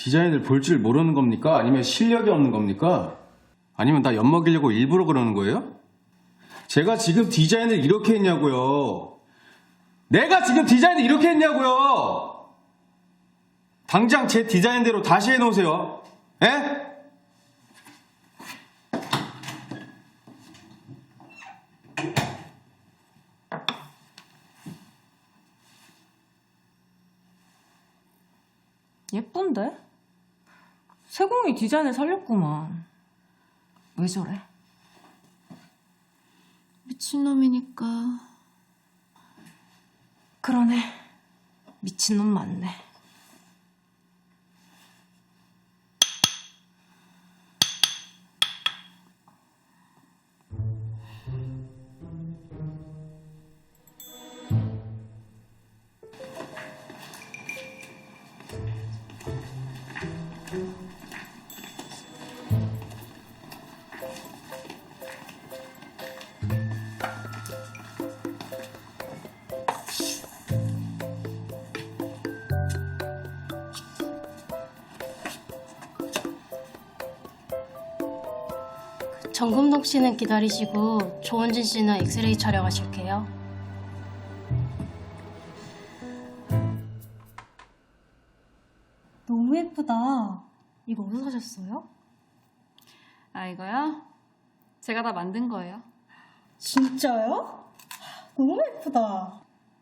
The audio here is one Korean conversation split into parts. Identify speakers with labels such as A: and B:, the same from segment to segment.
A: 디자인을 볼 줄 모르는 겁니까? 아니면 실력이 없는 겁니까? 아니면 나 엿먹이려고 일부러 그러는 거예요? 제가 지금 디자인을 이렇게 했냐고요. 내가 지금 디자인을 이렇게 했냐고요. 당장 제 디자인대로 다시 해놓으세요. 에?
B: 예쁜데? 세공이 디자인을 살렸구만. 왜 저래?
C: 미친놈이니까.
B: 그러네. 미친놈 맞네.
C: 정금동 씨는 기다리시고 조원진 씨는 엑스레이 촬영하실게요. 너무 예쁘다. 이거 어디서 사셨어요?
D: 아, 이거요? 제가 다 만든 거예요.
C: 진짜요? 너무 예쁘다.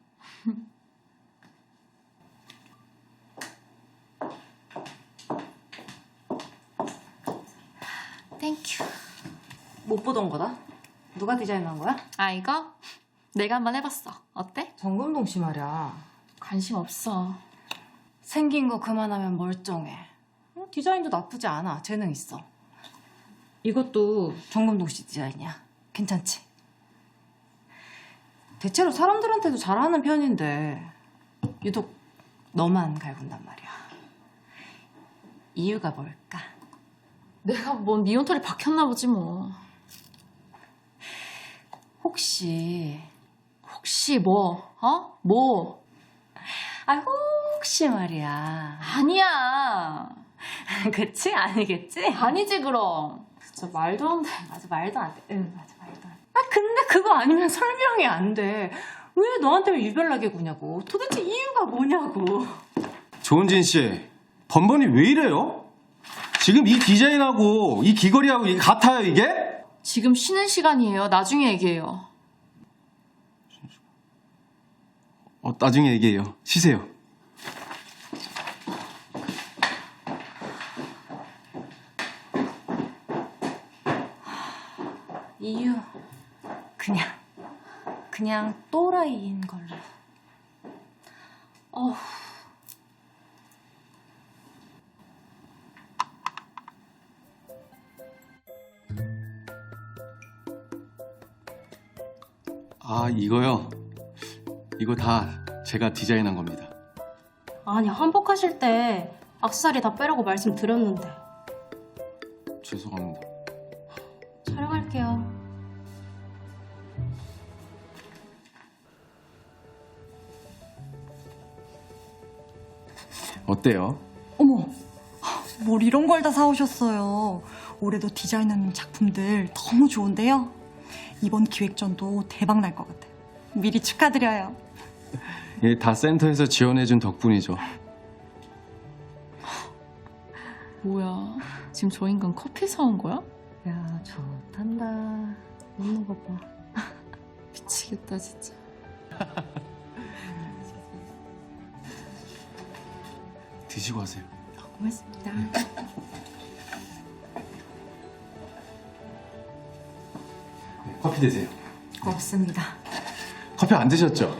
C: 땡큐.
B: 못 보던 거다. 누가 디자인한 거야?
D: 아, 이거? 내가 한번 해봤어. 어때?
B: 정금동 씨 말이야.
D: 관심 없어.
B: 생긴 거 그만하면 멀쩡해. 디자인도 나쁘지 않아. 재능 있어. 이것도 정금동 씨 디자인이야. 괜찮지? 대체로 사람들한테도 잘하는 편인데 유독 너만 갈군단 말이야. 이유가 뭘까?
D: 내가 뭔 미온털이 박혔나 보지 뭐.
B: 혹시
D: 뭐? 어? 뭐?
B: 혹시 말이야.
D: 아니야.
B: 그치? 아니겠지?
D: 아니지 그럼. 진짜 말도 안 돼. 맞아, 말도 안 돼.
B: 응, 맞아, 말도 안 돼. 근데 그거 아니면 설명이 안 돼. 왜 너한테만 유별나게 구냐고. 도대체 이유가 뭐냐고.
A: 조은진 씨, 번번이 왜 이래요? 지금 이 디자인하고 이 귀걸이하고 이게 같아요, 이게?
D: 지금 쉬는 시간이에요. 나중에 얘기해요.
A: 나중에 얘기해요. 쉬세요.
B: 이유 그냥 또라이인 걸로.
A: 아, 이거요? 이거 다 제가 디자인한 겁니다.
C: 아니, 한복하실 때 악세사리 다 빼라고 말씀드렸는데.
A: 죄송합니다.
C: 촬영할게요.
A: 어때요?
E: 어머, 뭘 이런 걸 다 사오셨어요. 올해도 디자인하는 작품들 너무 좋은데요. 이번 기획전도 대박 날 것 같아요. 미리 축하드려요.
A: 예, 다 센터에서 지원해준 덕분이죠.
D: 뭐야? 지금 저 인간 커피 사온 거야?
B: 야, 좋단다. 먹는 거 봐.
D: 미치겠다 진짜.
A: 드시고 하세요.
D: 고맙습니다.
A: 네, 커피 드세요.
B: 없습니다.
A: 커피 안 드셨죠?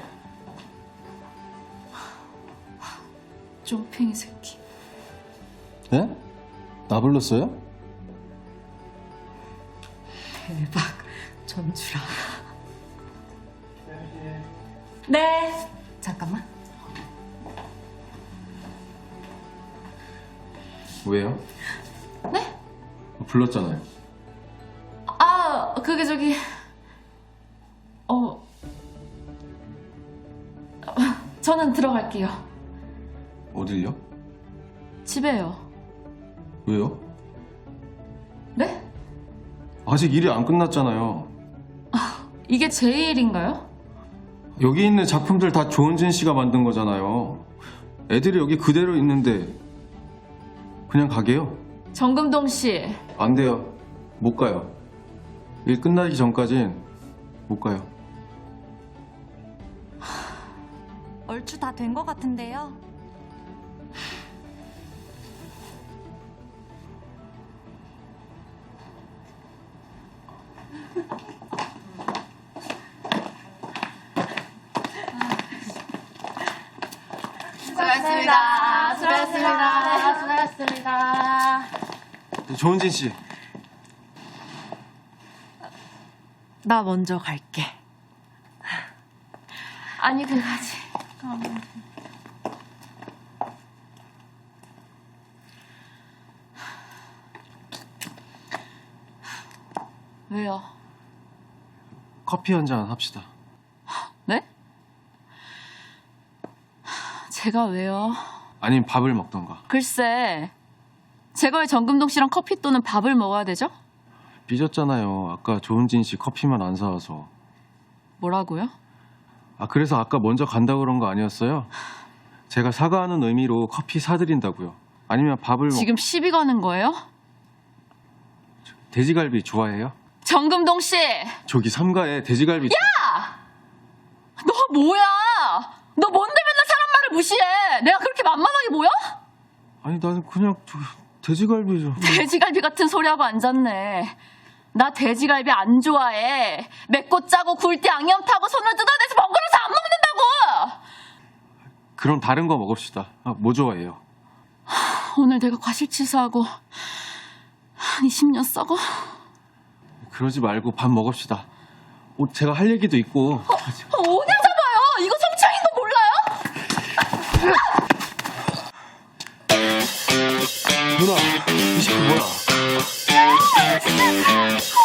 D: 쪼팽이 새끼.
A: 네? 나 불렀어요?
B: 대박. 전주라. 네. 잠깐만.
A: 왜요?
D: 네?
A: 불렀잖아요.
D: 아, 그게 저기 저는 들어갈게요.
A: 어딜요?
D: 집에요.
A: 왜요?
D: 네?
A: 아직 일이 안 끝났잖아요.
D: 이게 제 일인가요?
A: 여기 있는 작품들 다 조은진 씨가 만든 거잖아요. 애들이 여기 그대로 있는데 그냥 가게요?
D: 정금동 씨,
A: 안 돼요. 못 가요. 일 끝나기 전까진 못 가요.
E: 얼추 다 된 것 같은데요.
B: 수고하셨습니다. 수고하셨습니다. 수고하셨습니다.
A: 조은진 씨.
B: 나 먼저 갈게.
D: 아니 그거지. 왜요?
A: 커피 한 잔 합시다.
D: 네? 제가 왜요?
A: 아니면 밥을 먹던가.
D: 글쎄, 제가 왜 정금동 씨랑 커피 또는 밥을 먹어야 되죠?
A: 삐졌잖아요. 아까 조은진 씨 커피만 안 사와서.
D: 뭐라고요?
A: 아, 그래서 아까 먼저 간다고 그런 거 아니었어요? 제가 사과하는 의미로 커피 사드린다고요. 아니면 밥을
D: 지금 시비 거는 거예요?
A: 돼지갈비 좋아해요?
D: 정금동 씨!
A: 저기 삼가에 돼지갈비.
D: 너 뭐야? 너 뭔데 맨날 사람 말을 무시해? 내가 그렇게 만만하게 보여?
A: 아니 나는 그냥 돼지갈비 좀.
D: 돼지갈비 같은 소리하고 앉았네. 나 돼지갈비 안 좋아해. 맵고 짜고 굴 때 양념 타고 손을 뜯어내서 번거로워서 안 먹는다고!
A: 그럼 다른 거 먹읍시다. 아, 뭐 좋아해요?
D: 오늘 내가 과실치사하고 한 20년 썩어?
A: 그러지 말고 밥 먹읍시다. 제가 할 얘기도 있고.
D: 어딜 잡아요? 이거 성추행인 거 몰라요?
A: 누나, 이 새끼 뭐야?